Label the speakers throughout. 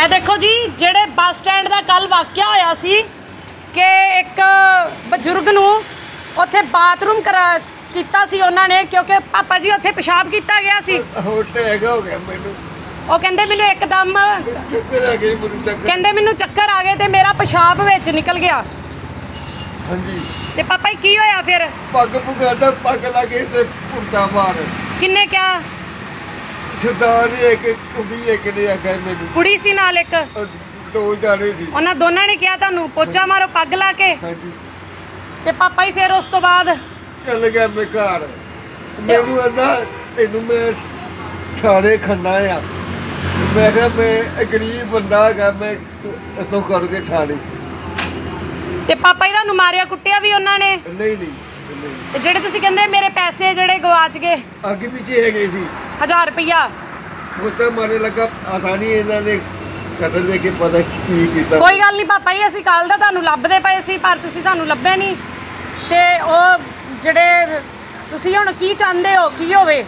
Speaker 1: देखो जी ਜਿਹੜੇ bus stand ਦਾ ਕੱਲ ਵਾਕਿਆ ਹੋਇਆ ਸੀ ਕਿ ਇੱਕ ਬਜ਼ੁਰਗ ਨੂੰ ਉੱਥੇ ਬਾਥਰੂਮ ਕੀਤਾ ਸੀ ਉਹਨਾਂ ਨੇ ਕਿਉਂਕਿ ਪਾਪਾ ਜੀ ਉੱਥੇ ਪਿਸ਼ਾਬ ਕੀਤਾ ਗਿਆ ਸੀ।
Speaker 2: ਹੈਗਾ ਹੋ ਗਿਆ ਮੈਨੂੰ।
Speaker 1: ਉਹ ਕਹਿੰਦੇ ਮੈਨੂੰ ਇੱਕਦਮ ਕਹਿੰਦੇ ਮੈਨੂੰ ਚੱਕਰ ਆ ਗਏ ਤੇ ਮੇਰਾ ਪਿਸ਼ਾਬ ਵਿੱਚ ਨਿਕਲ ਗਿਆ।
Speaker 2: ਹਾਂਜੀ
Speaker 1: ਤੇ ਪਾਪਾ ਜੀ ਕੀ ਹੋਇਆ ਫਿਰ?
Speaker 2: ਪੱਗ ਪੁਗਾਦਾ ਪੱਗ ਲੱਗੇ ਤੇ ਪੁੱਟਾ ਮਾਰ।
Speaker 1: ਕਿੰਨੇ ਕਿਹਾ?
Speaker 2: ਸਰਦਾਰ ਇੱਕ ਕੁੜੀ ਇੱਕ ਨੇ ਆਖਿਆ ਮੈਨੂੰ।
Speaker 1: ਕੁੜੀ ਸੀ ਨਾਲ ਇੱਕ?
Speaker 2: ਦੋ ਜਾਣੇ ਸੀ।
Speaker 1: ਉਹਨਾਂ ਦੋਨਾਂ ਨੇ ਕਿਹਾ ਤੁਹਾਨੂੰ ਪੋਚਾ ਮਾਰੋ ਪੱਗ ਲਾ ਕੇ?
Speaker 2: ਹਾਂਜੀ।
Speaker 1: ਤੇ ਪਾਪਾ ਜੀ ਫਿਰ ਉਸ ਤੋਂ ਬਾਅਦ
Speaker 2: ਚੱਲ ਗਿਆ ਮੈਂ ਘਰ। ਮੈਨੂੰ ਆਂਦਾ ਤੈਨੂੰ ਮੈਂ ਥਾਣੇ ਖੰਨਾ ਆ। ਮੈਂ ਕਿਹਾ ਮੈਂ ਗਰੀਬ ਬੰਦਾ ਹੈਗਾ ਮੈਂ ਇਤੋਂ ਕਰਕੇ ਥਾਣੇ।
Speaker 1: ਤੇ ਪਾਪਾ ਜੀ ਤੁਹਾਨੂੰ ਮਾਰਿਆ ਕੁੱਟਿਆ ਵੀ ਉਹਨਾਂ ਨੇ?
Speaker 2: ਨਹੀਂ ਨਹੀਂ
Speaker 1: ਤੇ ਜਿਹੜੇ ਤੁਸੀਂ ਕਹਿੰਦੇ ਮੇਰੇ ਪੈਸੇ ਜਿਹੜੇ ਗਵਾਚ ਗਏ
Speaker 2: ਅੱਗੇ ਪਿੱਛੇ ਹੈਗੇ ਸੀ
Speaker 1: 1000 ਰੁਪਇਆ
Speaker 2: ਉਹ ਤਾਂ ਮਾਰੇ ਲੱਗਾ ਆਸਾਨੀ ਇਹਨਾਂ ਨੇ ਕਤਲ ਦੇ ਕੇ ਪਤਾ ਕੀ ਕੀਤਾ।
Speaker 1: ਕੋਈ ਗੱਲ ਨਹੀਂ ਪਾਪਾ ਜੀ ਅਸੀਂ ਕੱਲ ਦਾ ਤੁਹਾਨੂੰ ਲੱਭਦੇ ਪਏ ਸੀ ਪਰ ਤੁਸੀਂ ਸਾਨੂੰ ਲੱਭੇ ਨਹੀਂ। ਤੇ ਉਹ ਜਿਹੜੇ ਤੁਸੀਂ ਹੁਣ ਕੀ ਚਾਹੁੰਦੇ ਹੋ ਕੀ ਹੋਵੇ?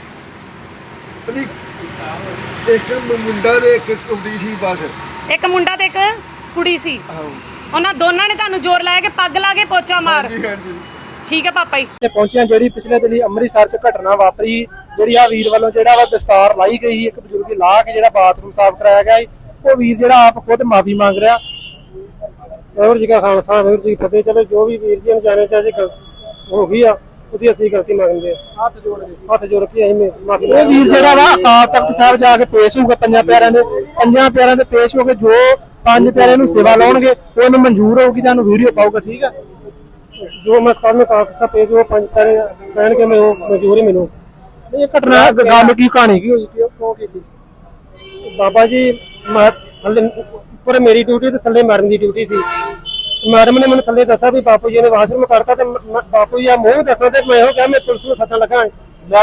Speaker 2: ਇੱਕ ਮੁੰਡਾ ਤੇ ਇੱਕ ਕੁੜੀ ਸੀ ਬਸ।
Speaker 1: ਇੱਕ ਮੁੰਡਾ ਤੇ ਇੱਕ ਕੁੜੀ ਸੀ। ਉਹਨਾਂ ਦੋਨਾਂ ਨੇ ਤੁਹਾਨੂੰ ਜ਼ੋਰ ਲਾਇਆ ਕਿ ਪੱਗ ਲਾ ਕੇ ਪੋਚਾ ਮਾਰ।
Speaker 2: ਹਾਂਜੀ
Speaker 1: ਠੀਕ ਹੈ ਪਾਪਾ ਜੀ।
Speaker 3: ਤੇ ਪਹੁੰਚਿਆ ਜਿਹੜੀ ਪਿਛਲੇ ਦਿਨੀ ਅੰਮ੍ਰਿਤਸਰ ਚ ਘਟਨਾ ਵਾਪਰੀ ਜਿਹੜੀ ਆ ਵੀਰ ਵੱਲੋਂ ਜਿਹੜਾ ਵਾ ਦਸਤਾਰ ਲਾਈ ਗਈ ਇੱਕ ਬਜ਼ੁਰਗ ਲਾ ਕੇ ਜਿਹੜਾ ਬਾਥਰੂਮ ਸਾਫ਼ ਕਰਾਇਆ ਗਿਆ ਉਹ ਵੀਰ ਜਿਹੜਾ ਆਪ ਖੁਦ ਮਾਫੀ ਮੰਗ ਰਿਹਾ। ਵਾਹਿਗੁਰੂ ਜੀ ਕਾ ਖਾਲਸਾ ਵਾਹਿਗੁਰੂ ਜੀ ਕੀ ਫਤਿਹ। ਚਲੋ ਜੋ ਵੀ ਵੀਰ ਜੀ ਨੂੰ ਜਾਣੇ ਚਾਹੇ ਹੋ ਗਈ ਆ ਉਹਦੀ ਅਸੀਂ ਗਲਤੀ ਮੰਗਦੇ ਆ। ਹੱਥ ਜੋੜ ਕੇ ਅਸੀਂ ਮਾਫੀ। ਇਹ ਵੀਰ ਜਿਹੜਾ ਵਾ ਅਕਾਲ ਤਖਤ ਸਾਹਿਬ ਜਾ ਕੇ ਪੇਸ਼ ਹੋਊਗਾ ਪੰਜਾਂ ਪਿਆਰਿਆਂ ਦੇ ਪੇਸ਼ ਹੋ ਕੇ ਜੋ ਪੰਜ ਪਿਆਰਿਆਂ ਨੂੰ ਸੇਵਾ ਲਾਉਣਗੇ ਉਹਨੂੰ ਮਨਜ਼ੂਰ ਹੋਊਗੀ ਤੁਹਾਨੂੰ ਵੀਡੀਓ ਪਾਊਗਾ। ਠੀਕ ਹੈ ਜੋ ਮੈਂ ਸਕਾਲ में कागज़ पेश वो पंच कहने के मैं मजबूरी मिलूँ। ये घटना गल की कहानी की हुई क्यों की थी? बाबा जी थले उपर मेरी ड्यूटी ते थले मैडम की ड्यूटी सी। मैडम ने मैंने थले दसा भी बापू जी ने वाशरूम करता ते बापू जी मूँह दसा ते मैं क्या मैं पुलिस को सत्ता लगा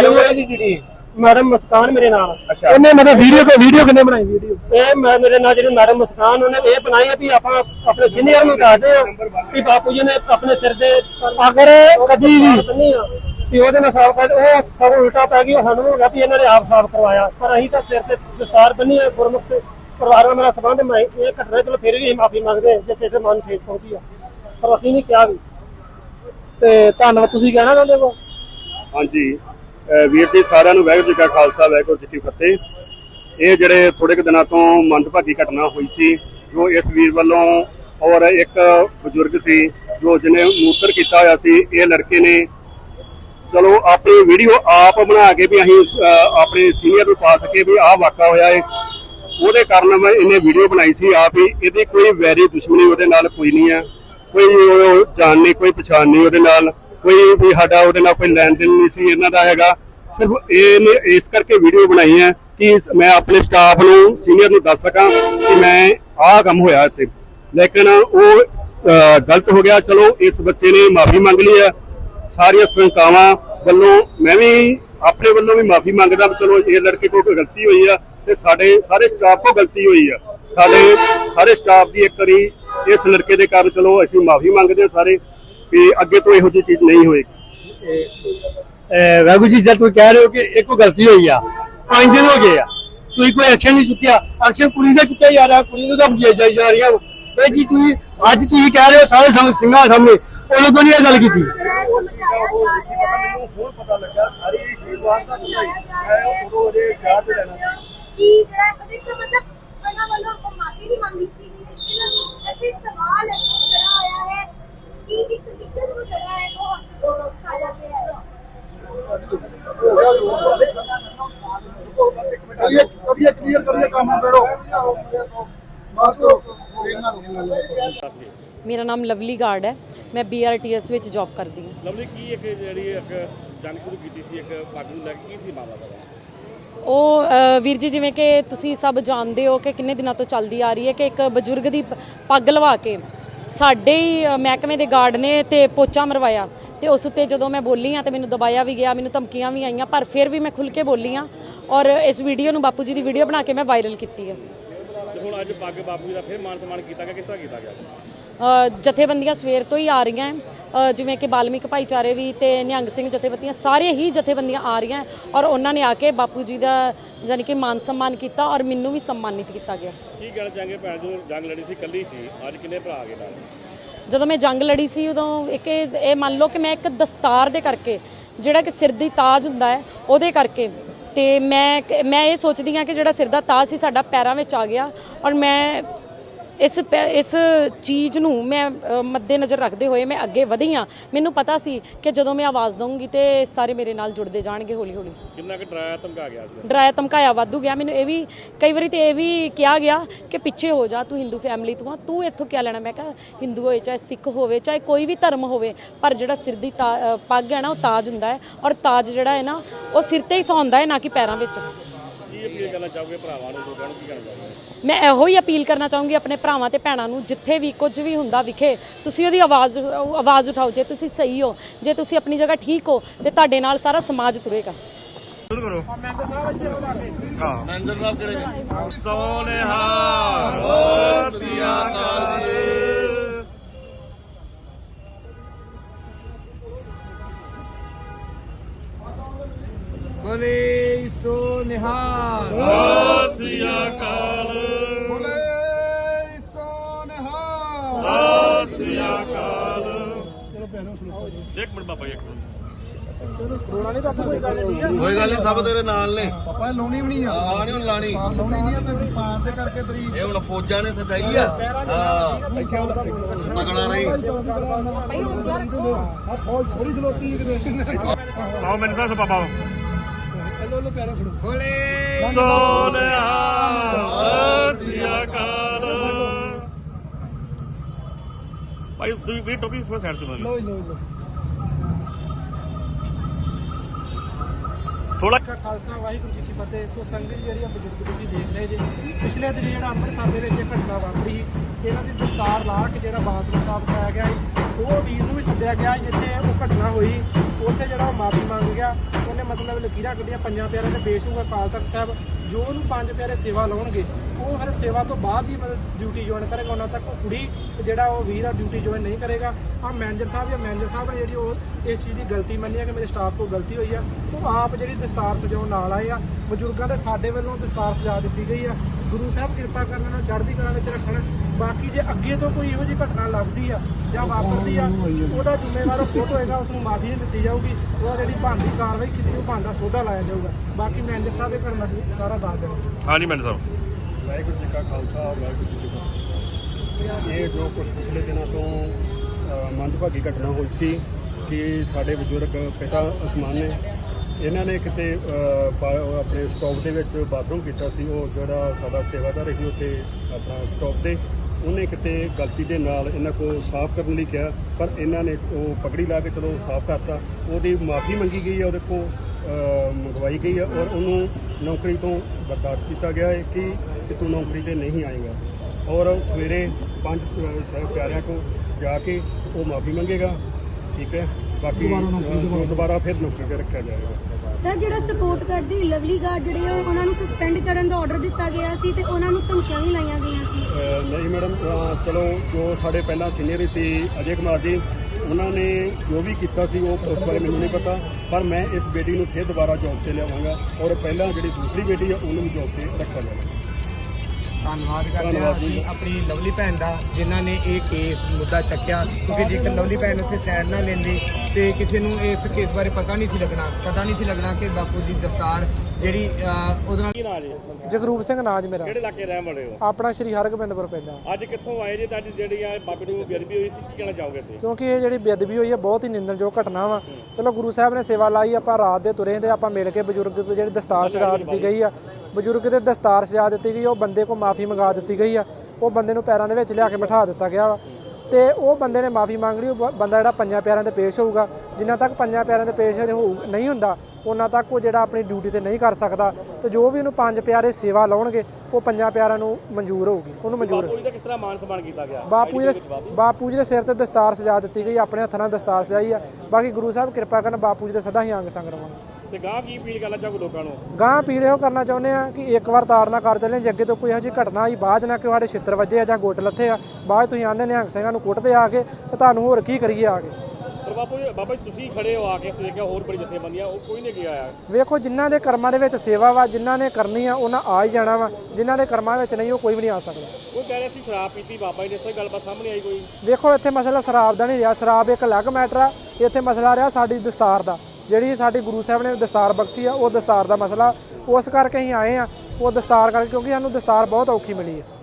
Speaker 3: मैडम मुस्कान मेरे नाल। इन्हें मतलब वीडियो किन्ने बनाई? वीडियो मेरे नाल जेहड़ी मैडम मुस्कान उन्हें ये बनाई है भी अपने सीनियर ਨੂੰ ਦੱਸਦੇ ਆ ਕਿ ਬਾਪੂ ਜੀ ਨੇ ਆਪਣੇ ਸਿਰ ਦੇ ਅਗਰ ਕਦੀ ਵੀ ਉਹਦੇ ਨਾਲ ਸਾਫ਼ ਕਰ ਉਹ ਸਭ ਉਲਟਾ ਪੈ ਗਈ। ਸਾਨੂੰ ਹੋ ਗਿਆ ਵੀ ਇਹਨਾਂ ਨੇ ਆਪ ਸਾਫ਼ ਕਰਵਾਇਆ ਪਰ ਅਸੀਂ ਤਾਂ ਸਿਰ ਤੇ ਦਸਤਾਰ ਬੰਨੀ ਹੈ ਗੁਰਮੁਖ ਸੇ ਪਰਿਵਾਰ ਨਾਲ ਮੇਰਾ ਸੰਬੰਧ ਮੈਂ ਇਹ ਘਟਨਾ ਚਲੋ ਫਿਰ ਵੀ ਮਾਫੀ ਮੰਗਦੇ ਜੇ ਕਿਸੇ ਮਨ ਠੇਸ ਪਹੁੰਚੀ ਆ ਪਰ ਅਸੀਂ ਨਹੀਂ ਕਿਹਾ ਵੀ। ਤੇ ਧੰਨਵਾਦ ਤੁਸੀਂ ਕਹਿਣਾ ਚਾਹੁੰਦੇ ਹੋ? ਹਾਂਜੀ ਵੀਰ ਜੀ ਸਾਰਿਆਂ ਨੂੰ ਵਾਹਿਗੁਰੂ ਜੀ ਕਾ ਖਾਲਸਾ ਵਾਹਿਗੁਰੂ ਜੀ ਕੀ ਫਤਿਹ। ਇਹ ਜਿਹੜੇ ਥੋੜੇ ਕੁ ਦਿਨਾਂ ਤੋਂ ਮੰਦਭਾਗੀ ਘਟਨਾ ਹੋਈ ਸੀ ਜੋ ਇਸ ਵੀਰ ਵੱਲੋਂ ਔਰ ਇੱਕ ਬਜ਼ੁਰਗ ਸੀ ਜੋ ਜਿਹਨੇ ਮੂਤਰ ਕੀਤਾ ਹੋਇਆ ਸੀ ਇਹ ਲੜਕੇ ਨੇ ਚਲੋ ਆਪਣੀ ਵੀਡੀਓ ਆਪ ਬਣਾ ਕੇ ਵੀ ਅਸੀਂ ਆਪਣੇ ਸੀਨੀਅਰ ਨੂੰ ਪਾ ਸਕੇ ਵੀ ਆਹ ਵਾਕਾ ਹੋਇਆ ਹੈ ਉਹਦੇ ਕਾਰਨ ਮੈਂ ਇਹਨੇ ਵੀਡੀਓ ਬਣਾਈ ਸੀ ਆਪ ਹੀ। ਇਹਦੀ ਕੋਈ ਵੈਰੀ ਦੁਸ਼ਮਣੀ ਉਹਦੇ ਨਾਲ ਕੋਈ ਨਹੀਂ ਹੈ ਕੋਈ ਜਾਣ ਨਹੀਂ ਕੋਈ ਪਛਾਣ ਨਹੀਂ ਉਹਦੇ ਨਾਲ ਕੋਈ ਵੀ ਸਾਡਾ ਉਹਦੇ ਨਾਲ ਕੋਈ ਲੈਣ ਦੇਣ ਨਹੀਂ ਸੀ ਇਹਨਾਂ ਦਾ ਹੈਗਾ। ਸਿਰਫ ਇਹਨੇ ਇਸ ਕਰਕੇ ਵੀਡੀਓ ਬਣਾਈ ਹੈ ਕਿ ਮੈਂ ਆਪਣੇ ਸਟਾਫ ਨੂੰ ਸੀਨੀਅਰ ਨੂੰ ਦੱਸ ਸਕਾਂ ਕਿ ਮੈਂ ਆਹ ਕੰਮ ਹੋਇਆ ਇੱਥੇ ਲੇਕਿਨ ਉਹ ਗਲਤ ਹੋ ਗਿਆ। ਚਲੋ ਇਸ ਬੱਚੇ ਨੇ ਮਾਫੀ ਮੰਗ ਲਈ ਹੈ ਸਾਰੀਆਂ ਸੰਸਥਾਵਾਂ ਵੱਲੋਂ ਮੈਂ ਵੀ ਆਪਣੇ ਵੱਲੋਂ ਵੀ ਮਾਫੀ ਮੰਗਦਾ। ਚਲੋ ਇਹ ਲੜਕੇ ਕੋਲ ਕੋਈ ਗਲਤੀ ਹੋਈ ਆ ਤੇ ਸਾਡੇ ਸਾਰੇ ਸਟਾਫ ਕੋਲ ਗਲਤੀ ਹੋਈ ਆ। ਸਾਡੇ ਸਾਰੇ ਸਟਾਫ ਦੀ ਇੱਕ ਵਾਰੀ ਇਸ ਲੜਕੇ ਦੇ ਕਾਰਨ ਚਲੋ ਅਸੀਂ ਮਾਫੀ ਮੰਗਦੇ ਹਾਂ ਸਾਰੇ ਵੀ ਅੱਗੇ ਤੋਂ ਇਹੋ ਜਿਹੀ ਚੀਜ਼ ਨਹੀਂ ਹੋਏਗੀ। ਵਾਹਿਗੁਰੂ ਜੀ ਜਦ ਤੁਸੀਂ ਕਹਿ ਰਹੇ ਹੋ ਕਿ ਇੱਕ ਗਲਤੀ ਹੋਈ ਆ 5 ਦਿਨ ਹੋ ਗਏ ਆ ਤੁਸੀਂ ਕੋਈ ਐਕਸ਼ਨ ਨਹੀਂ ਚੁੱਕਿਆ। ਐਕਸ਼ਨ ਕੁੜੀ ਦਾ ਚੁੱਕਿਆ ਜਾ ਰਿਹਾ ਕੁੜੀ ਨੂੰ ਤਾਂ ਜਾਈ ਜਾ ਰਹੀਆਂ ਇਹ ਜੀ ਤੁਸੀਂ ਅੱਜ ਤੁਸੀਂ ਕਹਿ ਰਹੇ ਹੋ ਸਾਰੇ ਸਾਹਮਣੇ ਸਿੰਘਾਂ ਸਾਹਮਣੇ ਉਹ ਲੋਕਾਂ ਨੇ ਇਹ ਗੱਲ ਕੀਤੀ। ਪਤਾ ਲੱਗਾ ਸਾਰੀ
Speaker 1: ਮੇਰਾ ਨਾਮ ਲਵਲੀ ਗਾਰਡ ਹੈ ਮੈਂ BRTS ਵਿੱਚ ਜੌਬ ਕਰਦੀ ਹਾਂ।
Speaker 4: ਲਵਲੀ ਕੀ ਇੱਕ ਜਿਹੜੀ ਇੱਕ ਜੰਗ ਸ਼ੁਰੂ ਕੀਤੀ ਸੀ ਇੱਕ ਪੱਗ ਨੂੰ ਲੈ ਕੇ ਕੀ ਸੀ ਮਾਮਲਾ ਦਾ?
Speaker 1: ਉਹ ਵੀਰ ਜੀ ਜਿਵੇਂ ਕਿ ਤੁਸੀਂ ਸਭ ਜਾਣਦੇ ਹੋ ਕਿ ਕਿੰਨੇ ਦਿਨਾਂ ਤੋਂ ਚੱਲਦੀ ਆ ਰਹੀ ਹੈ ਕਿ ਇੱਕ ਬਜ਼ੁਰਗ ਦੀ ਪੱਗ ਲਵਾ ਕੇ ਸਾਡੇ ਹੀ ਮਹਿਕਮੇ ਦੇ ਗਾਰਡ ਨੇ ਤੇ ਪੋਚਾ ਮਰਵਾਇਆ ਤੇ ਉਸ ਉੱਤੇ ਜਦੋਂ ਮੈਂ ਬੋਲੀ ਹਾਂ ਤੇ ਮੈਨੂੰ ਦਬਾਇਆ ਵੀ ਗਿਆ ਮੈਨੂੰ ਧਮਕੀਆਂ ਵੀ ਆਈਆਂ ਪਰ ਫਿਰ ਵੀ ਮੈਂ ਖੁੱਲ੍ਹ ਕੇ ਬੋਲੀ ਹਾਂ ਔਰ ਇਸ ਵੀਡੀਓ ਨੂੰ ਬਾਪੂ ਜੀ ਦੀ ਵੀਡੀਓ ਬਣਾ ਕੇ ਮੈਂ ਵਾਇਰਲ ਕੀਤੀ ਹੈ।
Speaker 4: ਤੇ ਹੁਣ ਅੱਜ ਪੱਗ ਬਾਪੂ ਜੀ ਦਾ ਫਿਰ ਮਾਨ ਸਨਮਾਨ ਕੀਤਾ ਗਿਆ ਕਿਸ ਤਰ੍ਹਾਂ ਕੀਤਾ ਗਿਆ?
Speaker 1: ਜਥੇਬੰਦੀਆਂ ਸਵੇਰ ਤੋਂ ਹੀ ਆ ਰਹੀਆਂ ਜਿਵੇਂ ਕਿ ਬਾਲਮਿਕ ਭਾਈਚਾਰੇ ਵੀ ਤੇ ਨਿਹੰਗ ਸਿੰਘ ਜਥੇਬੰਦੀਆਂ ਸਾਰੇ ਹੀ ਜਥੇਬੰਦੀਆਂ ਆ ਰਹੀਆਂ ਔਰ ਉਹਨਾਂ ਨੇ ਆ ਕੇ ਬਾਪੂ ਜੀ ਦਾ ਯਾਨੀ ਕਿ ਮਾਨ ਸਨਮਾਨ ਕੀਤਾ ਔਰ ਮੈਨੂੰ ਵੀ ਸਨਮਾਨਿਤ ਕੀਤਾ ਗਿਆ।
Speaker 4: ਕੀ ਕਹਿਣਾ ਚਾਹਾਂਗੇ ਭੈਣ ਜੋ ਜੰਗ ਲੜੀ ਸੀ ਇਕੱਲੀ ਸੀ, ਅੱਜ ਕਿੰਨੇ ਭਰਾ ਆ ਗਏ ਨਾਲ?
Speaker 1: ਜਦੋਂ ਮੈਂ ਜੰਗ ਲੜੀ ਸੀ ਉਦੋਂ ਇੱਕ ਇਹ ਮੰਨ ਲਓ ਕਿ ਮੈਂ ਇੱਕ ਦਸਤਾਰ ਦੇ ਕਰਕੇ, ਜਿਹੜਾ ਕਿ ਸਿਰ ਦੀ ਤਾਜ ਹੁੰਦਾ ਹੈ ਉਹਦੇ ਕਰਕੇ, ਤੇ ਮੈਂ ਇਹ ਸੋਚਦੀ ਹਾਂ ਕਿ ਜਿਹੜਾ ਸਿਰ ਦਾ ਤਾਜ ਸੀ ਸਾਡਾ ਪੈਰਾਂ ਵਿੱਚ ਆ ਗਿਆ। ਔਰ ਮੈਂ ਇਸ ਚੀਜ਼ ਨੂੰ ਮੈਂ ਮੱਦੇ ਨਜ਼ਰ ਰੱਖਦੇ ਹੋਏ ਮੈਂ ਅੱਗੇ ਵਧੀ ਹਾਂ। ਮੈਨੂੰ ਪਤਾ ਸੀ ਕਿ ਜਦੋਂ ਮੈਂ ਆਵਾਜ਼ ਦਊਂਗੀ ਤੇ ਸਾਰੇ ਮੇਰੇ ਨਾਲ ਜੁੜਦੇ ਜਾਣਗੇ ਹੌਲੀ ਹੌਲੀ।
Speaker 4: ਕਿੰਨਾ ਕੁ ਡਰਾਇਆ ਧਮਕਾ ਗਿਆ ਸੀ?
Speaker 1: ਡਰਾਇਆ ਧਮਕਾਇਆ ਵਾਧੂ ਗਿਆ। ਮੈਨੂੰ ਇਹ ਵੀ ਕਈ ਵਾਰੀ ਤੇ ਇਹ ਵੀ ਕਿਹਾ ਗਿਆ ਕਿ ਪਿੱਛੇ ਹੋ ਜਾ, ਤੂੰ ਹਿੰਦੂ ਫੈਮਿਲੀ ਤੋਂ ਆ, ਤੂੰ ਇੱਥੋਂ ਕੀ ਲੈਣਾ। ਮੈਂ ਕਿਹਾ ਹਿੰਦੂ ਹੋਵੇ ਚਾਹੇ ਸਿੱਖ ਹੋਵੇ ਚਾਹੇ ਕੋਈ ਵੀ ਧਰਮ ਹੋਵੇ, ਪਰ ਜਿਹੜਾ ਸਿਰ ਦੀ ਪੱਗ ਹੈ ਨਾ ਉਹ ਤਾਜ ਹੁੰਦਾ ਹੈ, ਔਰ ਤਾਜ ਜਿਹੜਾ ਹੈ ਨਾ ਉਹ ਸਿਰ ਤੇ ਹੀ ਸੌਂਦਾ ਹੈ, ਨਾ ਕਿ ਪੈਰਾਂ ਵਿੱਚ।
Speaker 4: ਕੀ ਅਪੀਲ ਕਰਨਾ ਚਾਹੋਗੇ ਭਰਾਵਾਂ ਨੂੰ, ਲੋਕਾਂ ਨੂੰ ਕੀ ਕਹਿਣਾ ਚਾਹੋਗੇ?
Speaker 1: ਮੈਂ ਇਹੋ ਹੀ ਅਪੀਲ ਕਰਨਾ ਚਾਹੂੰਗੀ ਆਪਣੇ ਭਰਾਵਾਂ ਤੇ ਭੈਣਾਂ ਨੂੰ, ਜਿੱਥੇ ਵੀ ਕੁਝ ਵੀ ਹੁੰਦਾ ਵਿਖੇ ਤੁਸੀਂ ਉਹਦੀ ਆਵਾਜ਼ ਉਠਾਓ। ਜੇ ਤੁਸੀਂ ਸਹੀ ਹੋ, ਜੇ ਤੁਸੀਂ ਆਪਣੀ ਜਗ੍ਹਾ ਠੀਕ ਹੋ, ਤੇ ਤੁਹਾਡੇ ਨਾਲ ਸਾਰਾ ਸਮਾਜ ਤੁਰੇਗਾ।
Speaker 4: ਸ਼ੁਰੂ ਕਰੋ। ਮੈਨੇਜਰ ਸਾਹਿਬ ਕਿਹੜੇ ਜੀ? ਸੋਨੇਹਾ ਰੋਸੀਆ ਕਾਜੀ
Speaker 2: ਬੋਲੇ ਸੋ ਨਿਹਾਲ
Speaker 4: ਰੋਸੀਆ ਕਾਲ
Speaker 2: ਬੋਲੇ ਸੋ ਨਿਹਾਲ
Speaker 4: ਰੋਸੀਆ ਕਾਲ। ਇੱਕ ਮਿੰਟ ਬਾਬਾ ਜੀ, ਇੱਕ ਮਿੰਟ।
Speaker 2: ਕੋਈ ਗੱਲ ਨਹੀਂ, ਸਭ ਤੇਰੇ ਨਾਲ ਨੇ। ਪਾਪਾ ਲਾਉਣੀ ਵੀ ਨਹੀਂ ਆ ਨਹੀਂ ਹੁਣ ਲਾਣੀ ਲਾਉਣੀ ਨਹੀਂ ਆ ਤੇ ਪਾਰ ਦੇ ਕਰਕੇ ਤੇਰੀ ਇਹ ਹੁਣ ਫੌਜਾਂ ਨੇ ਸਜਾਈ ਆ। ਹਾਂ ਤਗੜਾ ਰਹੀ ਥੋੜੀ ਖਲੋਤੀ
Speaker 4: ਆਓ ਮੈਨੂੰ ਸਾਹਿਬ ਬਾਬਾ
Speaker 2: ਬੋਲੇ
Speaker 4: ਸੋਨੇਹਾ ਰੋਸੀਆ ਕਾਲ। ਭਾਈ ਤੁਸੀਂ ਵੀ ਟੋਪੀ ਫੋਰ ਸਾਈਡ ਤੋਂ ਲਓ। ਥੋੜਾ
Speaker 3: ਖਾਲਸਾ ਵਾਹਿਗੁਰੂ ਜੀ ਕੀ ਫਤਿਹ। ਸੋ ਸੰਗਤ ਜਿਹੜੀ ਆ ਬਜ਼ੁਰਗ ਤੁਸੀਂ ਦੇਖ ਰਹੇ ਜੇ, ਪਿਛਲੇ ਦਿਨ ਜਿਹੜਾ ਅੰਮ੍ਰਿਤਸਰ ਦੇ ਵਿੱਚ ਘਟਨਾ ਵਾਪਰੀ ਸੀ, ਇਹਨਾਂ ਦੀ ਦਸਤਾਰ ਲਾ ਕੇ ਜਿਹੜਾ ਬਾਥਰੂਮ ਸਾਫ਼ ਕਰਾਇਆ ਗਿਆ ਸੀ, ਉਹ ਵੀਰ ਨੂੰ ਵੀ ਸੱਦਿਆ ਗਿਆ ਜਿੱਥੇ ਉਹ ਘਟਨਾ ਹੋਈ। ਉੱਥੇ ਜਿਹੜਾ ਉਹ ਮਾਫੀ ਮੰਗ ਗਿਆ। ਉਹਨੇ ਮਤਲਬ ਲਕੀਰਾਂ ਕੱਢੀਆਂ, ਪੰਜਾਂ ਪਿਆਰਿਆਂ ਦੇ ਪੇਸ਼ ਹੋਊਗਾ ਅਕਾਲ ਤਖਤ ਸਾਹਿਬ। ਜੋ ਉਹਨੂੰ ਪੰਜ ਪਿਆਰੇ ਸੇਵਾ ਲਾਉਣਗੇ, ਉਹ ਫਿਰ ਸੇਵਾ ਤੋਂ ਬਾਅਦ ਹੀ ਮਤਲਬ ਡਿਊਟੀ ਜੁਆਇਨ ਕਰੇਗਾ। ਉਹਨਾਂ ਤੱਕ ਉਹ ਕੁੜੀ ਤੇ ਜਿਹੜਾ ਉਹ ਵੀਰ ਆ ਡਿਊਟੀ ਜੁਆਇਨ ਨਹੀਂ ਕਰੇਗਾ। ਆਹ ਮੈਨੇਜਰ ਸਾਹਿਬ ਨੇ ਜਿਹੜੀ ਉਹ ਇਸ ਚੀਜ਼ ਦੀ ਗਲਤੀ ਮੰਨੀ ਹੈ ਕਿ ਮੇਰੇ ਸਟਾਫ ਤੋਂ ਗਲਤੀ ਹੋਈ ਆ, ਉਹ ਆਪ ਜਿਹੜੀ ਦਸਤਾਰ ਸਜਾਉਣ ਨਾਲ ਆਏ ਆ। ਬਜ਼ੁਰਗਾਂ ਦੇ ਸਾਡੇ ਵੱਲੋਂ ਦਸਤਾਰ ਸਜਾ ਦਿੱਤੀ ਗਈ ਆ। ਗੁਰੂ ਸਾਹਿਬ ਕਿਰਪਾ ਕਰਨ ਨਾਲ ਚੜ੍ਹਦੀ ਕਲਾ ਵਿੱਚ ਰੱਖਣ। ਬਾਕੀ ਜੇ ਅੱਗੇ ਤੋਂ ਕੋਈ ਇਹੋ ਜਿਹੀ ਘਟਨਾ ਲੱਗਦੀ ਆ ਜਾਂ ਵਾਪਰਦੀ ਆ, ਉਹਦਾ ਜ਼ਿੰਮੇਵਾਰ ਖੁਦ ਹੋਏਗਾ, ਉਸ ਨੂੰ ਮਾਫੀ ਨਹੀਂ ਦਿੱਤੀ ਜਾਊਗੀ। ਉਹਦਾ ਜਿਹੜੀ ਬਣਦੀ ਕਾਰਵਾਈ ਕੀਤੀ, ਉਹ ਬਣਦਾ ਸੋਧਾ ਲਾਇਆ ਜਾਊਗਾ। ਬਾਕੀ ਮੈਨੇਜਰ ਸਾਹਿਬ ਇਹ ਘਟਨਾ ਸਾਰਾ ਦੱਸ ਦੇਣਾ।
Speaker 4: ਹਾਂਜੀ ਮੈਨੇਜਰ ਸਾਹਿਬ।
Speaker 5: ਵਾਹਿਗੁਰੂ ਜੀ ਕਾ ਖਾਲਸਾ ਵਾਹਿਗੁਰੂ ਜੀ ਕੀ ਫਤਿਹ। ਇਹ ਜੋ ਕੁਝ ਪਿਛਲੇ ਦਿਨਾਂ ਤੋਂ ਮੰਦਭਾਗੀ ਘਟਨਾ ਹੋਈ ਸੀ ਕਿ ਸਾਡੇ ਬਜ਼ੁਰਗ ਪਿਤਾ ਅਸਮਾਨ ਨੇ, ਇਹਨਾਂ ਨੇ ਕਿਤੇ ਆਪਣੇ ਸਟਾਪ ਦੇ ਵਿੱਚ ਬਾਥਰੂਮ ਕੀਤਾ ਸੀ। ਉਹ ਜਿਹੜਾ ਸਾਡਾ ਸੇਵਾਦਾਰ ਸੀ ਉੱਥੇ ਆਪਣਾ ਸਟਾਪ ਤੇ, ਉਹਨੇ ਕਿਤੇ ਗਲਤੀ ਦੇ ਨਾਲ ਇਹਨਾਂ ਕੋਲ ਸਾਫ਼ ਕਰਨ ਲਈ ਕਿਹਾ, ਪਰ ਇਹਨਾਂ ਨੇ ਉਹ ਪਗੜੀ ਲਾ ਕੇ ਚਲੋ ਸਾਫ਼ ਕਰਤਾ। ਉਹਦੀ ਮਾਫੀ ਮੰਗੀ ਗਈ ਹੈ, ਉਹਦੇ ਕੋਲ ਮੰਗਵਾਈ ਗਈ ਹੈ, ਔਰ ਉਹਨੂੰ ਨੌਕਰੀ ਤੋਂ ਬਰਦਾਸ਼ਤ ਕੀਤਾ ਗਿਆ ਹੈ ਕਿ ਤੂੰ ਨੌਕਰੀ ਤੇ ਨਹੀਂ ਆਏਗਾ। ਔਰ ਸਵੇਰੇ 5 ਸਾਹਿਬ ਪਿਆਰਿਆਂ ਕੋਲ ਜਾ ਕੇ ਉਹ ਮਾਫੀ ਮੰਗੇਗਾ। ਠੀਕ ਹੈ, ਬਾਕੀ ਦੁਬਾਰਾ ਫਿਰ ਨੌਕਰੀ ਤੇ ਰੱਖਿਆ ਜਾਏਗਾ।
Speaker 6: ਸਰ, ਜਿਹੜਾ ਸਪੋਰਟ ਕਰਦੀ ਲਵਲੀ ਗਾਰਡ ਜਿਹੜੇ ਉਹਨਾਂ ਨੂੰ ਸਸਪੈਂਡ ਕਰਨ ਦਾ ਆਰਡਰ ਦਿੱਤਾ ਗਿਆ ਸੀ ਤੇ ਉਹਨਾਂ ਨੂੰ ਧਮਕੀਆਂ ਵੀ ਲਾਈਆਂ ਗਈਆਂ ਸੀ।
Speaker 5: ਨਹੀਂ ਮੈਡਮ, ਚਲੋ ਜੋ ਸਾਡੇ ਪਹਿਲਾਂ ਸੀਨੀਅਰ ਸੀ ਅਜੇ ਕੁਮਾਰ ਜੀ, ਉਹਨਾਂ ਨੇ ਜੋ ਵੀ ਕੀਤਾ ਸੀ ਉਹ ਉਸ ਬਾਰੇ ਮੈਨੂੰ ਨਹੀਂ ਪਤਾ, ਪਰ ਮੈਂ ਇਸ ਬੇਟੀ ਨੂੰ ਫਿਰ ਦੁਬਾਰਾ ਜੌਬ ਤੇ ਲਿਆਵਾਂਗਾ ਔਰ ਪਹਿਲਾਂ ਜਿਹੜੀ ਦੂਸਰੀ ਬੇਟੀ ਆ ਉਹਨੂੰ ਵੀ ਜੌਬ ਤੇ ਰੱਖਿਆ ਜਾਵੇਗਾ।
Speaker 7: ਧੰਨਵਾਦ ਕਰਦੇ ਹਾਂ ਅਸੀਂ ਆਪਣੀ ਲਵਲੀ ਭੈਣ ਦਾ, ਜਿਨ੍ਹਾਂ ਨੇ ਇਹ ਕੇਸ ਮੁੱਦਾ ਚੱਕਿਆ, ਕਿਉਂਕਿ ਜੇਕਰ ਲਵਲੀ ਭੈਣ ਉੱਥੇ ਸਟੈਂਡ ਨਾ ਲੈਂਦੀ ਤੇ ਕਿਸੇ ਨੂੰ ਇਸ ਕੇਸ ਬਾਰੇ ਪਤਾ ਨਹੀਂ ਸੀ ਲੱਗਣਾ ਕਿ ਬਾਪੂ ਦੀ ਦਸਤਾਰ ਜਿਹੜੀ ਉਹਦੇ ਨਾਲ।
Speaker 4: ਕੀ ਨਾਂ ਜੀ?
Speaker 3: ਜਗਰੂਪ ਸਿੰਘ ਨਾਂ ਜੀ ਮੇਰਾ।
Speaker 4: ਕਿਹੜੇ ਇਲਾਕੇ ਰਹਿਣ ਵਾਲੇ ਹੋ?
Speaker 3: ਆਪਣਾ ਸ਼੍ਰੀ ਹਰਗੋਬਿੰਦਪੁਰ ਪੈਂਦਾ।
Speaker 4: ਅੱਜ ਕਿੱਥੋਂ ਆਏ ਜੀ? ਤਾਂ ਅੱਜ ਜਿਹੜੀ ਆ ਬਾਬੇ ਨੂੰ ਬੇਅਦਬੀ ਹੋਈ ਸੀ, ਕੀ ਕਹਿਣਾ ਚਾਹੋਗੇ ਇੱਥੇ?
Speaker 3: ਕਿਉਂਕਿ ਇਹ ਜਿਹੜੀ ਬੇਅਦਬੀ ਹੋਈ ਹੈ ਬਹੁਤ ਹੀ ਨਿੰਦਣਯੋਗ ਘਟਨਾ ਵਾ। ਚਲੋ ਗੁਰੂ ਸਾਹਿਬ ਨੇ ਸੇਵਾ ਲਾਈ, ਆਪਾਂ ਰਾਤ ਦੇ ਤੁਰੇ ਤੇ ਆਪਾਂ ਮਿਲ ਕੇ ਬਜ਼ੁਰਗ ਤੋਂ ਜਿਹੜੀ ਦਸਤਾਰ ਸਜਾ ਦਿੱਤੀ ਗਈ ਆ, ਬਜ਼ੁਰਗ ਦੇ ਦਸਤਾਰ ਸਜਾ ਦਿੱਤੀ ਗਈ, ਉਹ ਬੰਦੇ ਕੋਲ ਮਾਫੀ ਮੰਗਾ ਦਿੱਤੀ ਗਈ ਆ। ਉਹ ਬੰਦੇ ਨੂੰ ਪੈਰਾਂ ਦੇ ਵਿੱਚ ਲਿਆ ਕੇ ਬਿਠਾ ਦਿੱਤਾ ਗਿਆ ਵਾ ਤੇ ਉਹ ਬੰਦੇ ਨੇ ਮਾਫੀ ਮੰਗ ਲਈ। ਉਹ ਬੰਦਾ ਜਿਹੜਾ ਪੰਜਾਂ ਪਿਆਰਿਆਂ ਤੇ ਪੇਸ਼ ਹੋਊਗਾ, ਜਿੰਨਾ ਤੱਕ ਪੰਜਾਂ ਪਿਆਰਿਆਂ ਦੇ ਪੇਸ਼ ਨਹੀਂ ਹੁੰਦਾ ਉਹਨਾਂ ਤੱਕ ਉਹ ਜਿਹੜਾ ਆਪਣੀ ਡਿਊਟੀ ਤੇ ਨਹੀਂ ਕਰ ਸਕਦਾ। ਤੇ ਜੋ ਵੀ ਉਹਨੂੰ ਪੰਜ ਪਿਆਰੇ ਸੇਵਾ ਲਾਉਣਗੇ ਉਹ ਪੰਜਾਂ ਪਿਆਰਿਆਂ ਨੂੰ ਮਨਜ਼ੂਰ ਹੋਊਗੀ, ਉਹਨੂੰ ਮਨਜ਼ੂਰ।
Speaker 4: ਬਾਪੂ ਜੀ ਦਾ ਕਿਸ ਤਰ੍ਹਾਂ ਮਾਨ ਸਨਮਾਨ ਕੀਤਾ ਗਿਆ?
Speaker 3: ਬਾਪੂ ਜੀ ਦੇ ਸਿਰ ਤੇ ਦਸਤਾਰ ਸਜਾ ਦਿੱਤੀ ਗਈ, ਆਪਣੇ ਹੱਥਾਂ ਨਾਲ ਦਸਤਾਰ ਸਜਾਈ ਆ। ਬਾਕੀ ਗੁਰੂ ਸਾਹਿਬ ਕਿਰਪਾ ਕਰਨ, ਬਾਪੂ ਜੀ ਦੇ ਸਦਾ ਹੀ ਅੰਗ ਸੰਗ ਰਵਾਂਗੇ।
Speaker 4: ਤੇ ਗਾਂ ਕੀ ਅਪੀਲ ਕਰਨਾ ਚਾਹੋਗੇ ਲੋਕਾਂ ਨੂੰ?
Speaker 3: ਗਾਂ ਅਪੀਲ ਇਹੋ ਕਰਨਾ ਚਾਹੁੰਦੇ ਆ ਕਿ ਇੱਕ ਵਾਰ ਤਾੜਨਾ ਕਰ ਚੱਲੇ, ਜੇ ਅੱਗੇ ਤੋਂ ਕੋਈ ਇਹੋ ਜਿਹੀ ਘਟਨਾ ਆਈ ਬਾਅਦ ਨਾ ਕਿ ਸਾਡੇ ਛਿੱਤਰ ਵੱਜੇ ਆ ਜਾਂ ਗੁੱਟ ਲੱਥੇ ਆ, ਬਾਅਦ ਤੁਸੀਂ ਆਂਦੇ ਨਿਹੰਗ ਸਿੰਘਾਂ ਨੂੰ ਕੁੱਟਦੇ ਆ ਕੇ ਤੇ ਤੁਹਾਨੂੰ ਹੋਰ ਕੀ ਕਰੀਏ ਆ ਕੇ।
Speaker 4: ਬਾਬਾ ਜੀ ਤੁਸੀਂ ਖੜੇ ਹੋ ਆ ਕੇ ਦੇਖਿਆ ਹੋਰ ਬੜੀ ਜਥੇਬੰਦੀਆਂ ਉਹ ਕੋਈ ਨਹੀਂ ਗਿਆ ਆ।
Speaker 3: ਵੇਖੋ ਜਿਨ੍ਹਾਂ ਦੇ ਕਰਮਾਂ ਦੇ ਵਿੱਚ ਸੇਵਾ ਵਾ, ਜਿਨ੍ਹਾਂ ਨੇ ਕਰਨੀ ਆ ਉਹਨਾਂ ਆ ਹੀ ਜਾਣਾ ਵਾ, ਜਿਨ੍ਹਾਂ ਦੇ ਕਰਮਾਂ ਵਿੱਚ ਨਹੀਂ ਉਹ ਕੋਈ ਵੀ ਨਹੀਂ ਆ ਸਕਦਾ।
Speaker 4: ਉਹ ਕਹਿ ਰਿਹਾ ਸੀ ਸ਼ਰਾਬ ਪੀਤੀ ਬਾਬਾ ਜੀ ਨੇ, ਸਹੀ ਗੱਲਬਾਤ ਸਾਹਮਣੇ ਆਈ ਕੋਈ?
Speaker 3: ਵੇਖੋ ਇੱਥੇ ਮਸਲਾ ਸ਼ਰਾਬ ਦਾ ਨਹੀਂ ਰਿਹਾ, ਸ਼ਰਾਬ ਇੱਕ ਅਲੱਗ ਮੈਟਰ ਆ। ਇੱਥੇ ਮਸਲਾ ਰਿਹਾ ਸਾਡੀ ਦਸਤਾਰ ਦਾ, ਜਿਹੜੀ ਸਾਡੀ ਗੁਰੂ ਸਾਹਿਬ ਨੇ ਦਸਤਾਰ ਬਖਸ਼ੀ ਆ, ਉਹ ਦਸਤਾਰ ਦਾ ਮਸਲਾ। ਉਸ ਕਰਕੇ ਅਸੀਂ ਆਏ ਆ, ਉਹ ਦਸਤਾਰ ਕਰਕੇ, ਕਿਉਂਕਿ ਸਾਨੂੰ ਦਸਤਾਰ ਬਹੁਤ ਔਖੀ ਮਿਲੀ ਹੈ।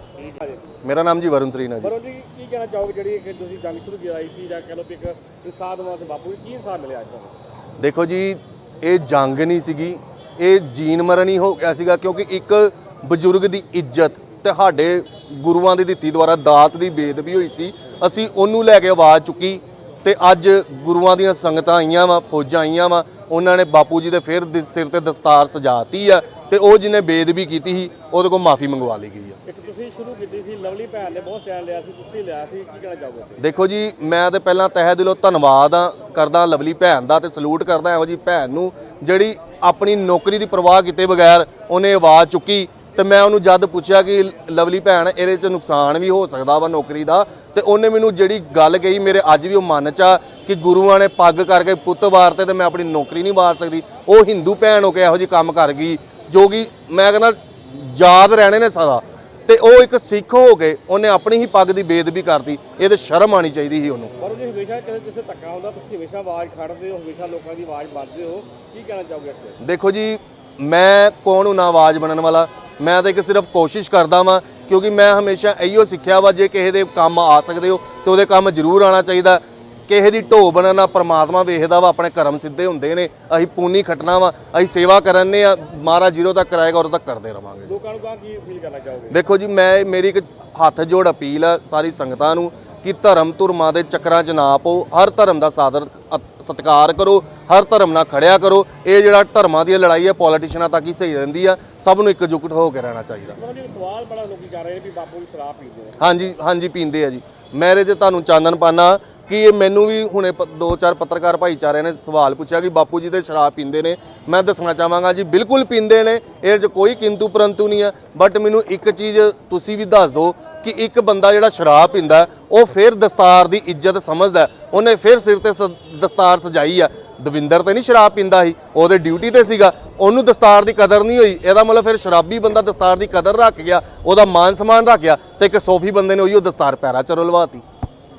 Speaker 2: ਮੇਰਾ ਨਾਮ ਜੀ ਵਰੁਣ ਸਰੀਨ ਹੈ ਜੀ।
Speaker 4: ਵਰੁਣ ਜੀ ਕੀ ਕਹਿਣਾ ਚਾਹੋਗੇ ਜਿਹੜੀ ਇੱਕ ਤੁਸੀਂ ਜੰਗ ਸ਼ੁਰੂ ਕੀਤੀ ਸੀ ਜਾਂ ਕਹਿ ਲਓ ਕਿ ਇੱਕ ਇਨਸਾਫ ਵਾਸਤੇ ਬਾਪੂ ਜੀ ਕੀ ਇਨਸਾਫ ਮਿਲਿਆ ਅੱਜ ਤੁਹਾਨੂੰ?
Speaker 2: ਦੇਖੋ ਜੀ, ਇਹ ਜੰਗ ਨਹੀਂ ਸੀਗੀ, ਇਹ ਜੀਣ ਮਰਨ ਹੀ ਹੋ ਗਿਆ ਸੀਗਾ, ਕਿਉਂਕਿ ਇੱਕ ਬਜ਼ੁਰਗ ਦੀ ਇੱਜ਼ਤ ਤੁਹਾਡੇ ਗੁਰੂਆਂ ਦੀ ਦਿੱਤੀ ਦੁਆਰਾ ਦਾਤ ਦੀ ਬੇਦਬੀ ਹੋਈ ਸੀ। ਅਸੀਂ ਉਹਨੂੰ ਲੈ ਕੇ ਆਵਾਜ਼ ਚੁੱਕੀ ਤੇ ਅੱਜ ਗੁਰੂਆਂ ਦੀਆਂ ਸੰਗਤਾਂ ਆਈਆਂ ਵਾ, ਫੌਜਾਂ ਆਈਆਂ ਵਾ, ਉਹਨਾਂ ਨੇ ਬਾਪੂ ਜੀ ਦੇ ਫਿਰ ਸਿਰ ਤੇ ਦਸਤਾਰ ਸਜਾਤੀ ਆ ਤੇ ਉਹ ਜਿਹਨੇ ਬੇਦਬੀ ਕੀਤੀ ਸੀ ਉਹਦੇ ਕੋਲ ਮਾਫੀ ਮੰਗਵਾ ਲਈ ਗਈ ਆ।
Speaker 4: ਇੱਕ ਤੁਸੀਂ ਸ਼ੁਰੂ ਕੀਤੀ ਸੀ, ਲਵਲੀ ਭੈਣ ਨੇ ਬਹੁਤ ਸਟੈਂਡ ਲਿਆ ਸੀ, ਤੁਸੀਂ ਲਿਆ ਸੀ, ਕੀ ਕਹਿਣਾ ਚਾਹੋਗੇ?
Speaker 2: ਦੇਖੋ ਜੀ, ਮੈਂ ਤੇ ਪਹਿਲਾਂ ਤਹਿ ਦਿਲੋਂ ਧੰਨਵਾਦ ਕਰਦਾ ਲਵਲੀ ਭੈਣ ਦਾ ਤੇ ਸਲੂਟ ਕਰਦਾ ਇਹੋ ਜੀ ਭੈਣ ਨੂੰ ਜਿਹੜੀ ਆਪਣੀ ਨੌਕਰੀ ਦੀ ਪਰਵਾਹ ਕੀਤੇ ਬਗੈਰ ਉਹਨੇ ਆਵਾਜ਼ ਚੁੱਕੀ। ਤੇ ਮੈਂ ਉਹਨੂੰ ਜਦ ਪੁੱਛਿਆ ਕਿ ਲਵਲੀ ਭੈਣ ਇਹਦੇ 'ਚ ਨੁਕਸਾਨ ਵੀ ਹੋ ਸਕਦਾ ਵਾ ਨੌਕਰੀ ਦਾ, ਤੇ ਉਹਨੇ ਮੈਨੂੰ ਜਿਹੜੀ ਗੱਲ ਕਹੀ ਮੇਰੇ ਅੱਜ ਵੀ ਉਹ ਮਨ 'ਚ ਆ ਕਿ ਗੁਰੂਆਂ ਨੇ ਪੱਗ ਕਰਕੇ ਪੁੱਤ ਵਾਰਤੇ ਤੇ ਮੈਂ ਆਪਣੀ ਨੌਕਰੀ ਨਹੀਂ ਵਾਰ ਸਕਦੀ। ਉਹ ਹਿੰਦੂ ਭੈਣ ਹੋ ਕੇ ਇਹੋ ਜਿਹੀ ਕੰਮ ਕਰ ਗਈ ਜੋ ਕਿ ਮੈਂ ਕਹਿੰਦਾ ਯਾਦ ਰਹਿਣੇ ਨੇ ਸਦਾ। ਤੇ ਉਹ ਇੱਕ ਸਿੱਖ ਹੋ ਕੇ ਉਹਨੇ ਆਪਣੀ ਹੀ ਪੱਗ ਦੀ ਬੇਦਬੀ ਕਰਤੀ, ਇਹ ਤੇ ਸ਼ਰਮ ਆਣੀ ਚਾਹੀਦੀ ਸੀ ਉਹਨੂੰ।
Speaker 4: ਪਰ ਜੀ ਹਮੇਸ਼ਾ ਕਿਸੇ ਧੱਕਾ ਹੁੰਦਾ ਤੁਸੀਂ ਹਮੇਸ਼ਾ ਆਵਾਜ਼ ਖੜਦੇ ਹੋ, ਹਮੇਸ਼ਾ ਲੋਕਾਂ ਦੀ ਆਵਾਜ਼ ਵੱਧਦੇ ਹੋ, ਕੀ ਕਹਿਣਾ ਚਾਹੋਗੇ ਇਸ ਤੇ?
Speaker 2: ਦੇਖੋ ਜੀ, ਮੈਂ ਕੌਣ ਹੂੰ ਨਾ ਆਵਾਜ਼ ਬਣਨ ਵਾਲਾ, ਮੈਂ ਤਾਂ ਇੱਕ ਸਿਰਫ ਕੋਸ਼ਿਸ਼ ਕਰਦਾ ਵਾਂ, ਕਿਉਂਕਿ ਮੈਂ ਹਮੇਸ਼ਾ ਇਹੀਓ ਸਿੱਖਿਆ ਵਾ ਜੇ ਕਿਸੇ ਦੇ ਕੰਮ ਆ ਸਕਦੇ ਹੋ ਤੇ ਉਹਦੇ ਕੰਮ ਜ਼ਰੂਰ ਆਉਣਾ ਚਾਹੀਦਾ। ਕਿਸੇ ਦੀ ਢੋ ਬਣਨਾ ਪਰਮਾਤਮਾ ਵੇਖਦਾ ਵਾ, ਆਪਣੇ ਕਰਮ ਸਿੱਧੇ ਹੁੰਦੇ ਨੇ, ਅਸੀਂ ਪੁੰਨੀ ਖੱਟਣਾ ਵਾ, ਅਸੀਂ ਸੇਵਾ ਕਰਨੇ ਆ, ਮਹਾਰਾਜ ਜੀਰੋ ਤੱਕ ਕਰਾਏਗਾ ਉਦੋਂ ਤੱਕ ਕਰਦੇ ਰਵਾਂਗੇ।
Speaker 4: ਲੋਕਾਂ ਨੂੰ ਕੀ ਅਪੀਲ ਕਰਨਾ ਚਾਹੋਗੇ?
Speaker 2: ਦੇਖੋ ਜੀ, ਮੇਰੀ ਇੱਕ ਹੱਥ ਜੋੜ ਅਪੀਲ ਆ ਸਾਰੀ ਸੰਗਤਾਂ ਨੂੰ ਕਿ ਧਰਮ ਧੁਰਮਾਂ ਦੇ ਚੱਕਰਾਂ 'ਚ ਨਾ ਪਾਓ, ਹਰ ਧਰਮ ਦਾ ਸਾਦਰ ਸਤਿਕਾਰ ਕਰੋ, ਹਰ ਧਰਮ ਨਾਲ ਖੜਿਆ ਕਰੋ। ਇਹ ਜਿਹੜਾ ਧਰਮਾਂ ਦੀ ਲੜਾਈ ਹੈ ਪੋਲੀਟੀਸ਼ੀਅਨਾਂ ਤੱਕ ਹੀ ਸਹੀ ਰਹਿੰਦੀ ਆ, ਸਭ ਨੂੰ ਇੱਕਜੁੱਟ ਹੋ ਕੇ ਰਹਿਣਾ ਚਾਹੀਦਾ।
Speaker 4: ਸਵਾਲ ਬੜਾ ਲੋਕੀ ਕਰ ਰਹੇ ਨੇ ਵੀ ਬਾਪੂ ਜੀ ਸ਼ਰਾਬ ਪੀਂਦੇ ਨੇ।
Speaker 2: ਹਾਂਜੀ ਪੀਂਦੇ ਆ ਜੀ। ਮੇਰੇ 'ਚ ਤੁਹਾਨੂੰ ਚਾਨਣ ਪਾਣਾ ਕਿ ਇਹ ਮੈਨੂੰ ਵੀ ਹੁਣੇ 2-4 ਪੱਤਰਕਾਰ ਭਾਈਚਾਰੇ ਨੇ ਸਵਾਲ ਪੁੱਛਿਆ ਕਿ ਬਾਪੂ ਜੀ ਤੇ ਸ਼ਰਾਬ ਪੀਂਦੇ ਨੇ। ਮੈਂ ਦੱਸਣਾ ਚਾਹਾਂਗਾ ਜੀ ਬਿਲਕੁਲ ਪੀਂਦੇ ਨੇ, ਇਹਦੇ 'ਚ ਕੋਈ ਕਿੰਤੂ ਪਰੰਤੂ ਨਹੀਂ ਆ। ਬਟ ਮੈਨੂੰ ਇੱਕ ਚੀਜ਼ ਤੁਸੀਂ ਵੀ ਦੱਸ ਦਿਓ ਕਿ ਇੱਕ ਬੰਦਾ ਜਿਹੜਾ ਸ਼ਰਾਬ ਪੀਂਦਾ ਉਹ ਫਿਰ ਦਸਤਾਰ ਦੀ ਇੱਜ਼ਤ ਸਮਝਦਾ, ਉਹਨੇ ਫਿਰ ਸਿਰ ਤੇ ਦਸਤਾਰ ਸਜਾਈ ਆ। ਦਵਿੰਦਰ ਤੇ ਨਹੀਂ ਸ਼ਰਾਬ ਪੀਂਦਾ ਸੀ, ਉਹਦੇ ਡਿਊਟੀ ਤੇ ਸੀਗਾ, ਉਹਨੂੰ ਦਸਤਾਰ ਦੀ ਕਦਰ ਨਹੀਂ ਹੋਈ। ਇਹਦਾ ਮਤਲਬ ਫਿਰ ਸ਼ਰਾਬੀ ਬੰਦਾ ਦਸਤਾਰ ਦੀ ਕਦਰ ਰੱਖ ਗਿਆ, ਉਹਦਾ ਮਾਨ ਸਨਮਾਨ ਰੱਖ ਗਿਆ, ਤੇ ਇੱਕ ਸੋਫੀ ਬੰਦੇ ਨੇ ਉਹੀ ਦਸਤਾਰ ਪੈਰਾਂ 'ਚ ਰੁਲਵਾਤੀ।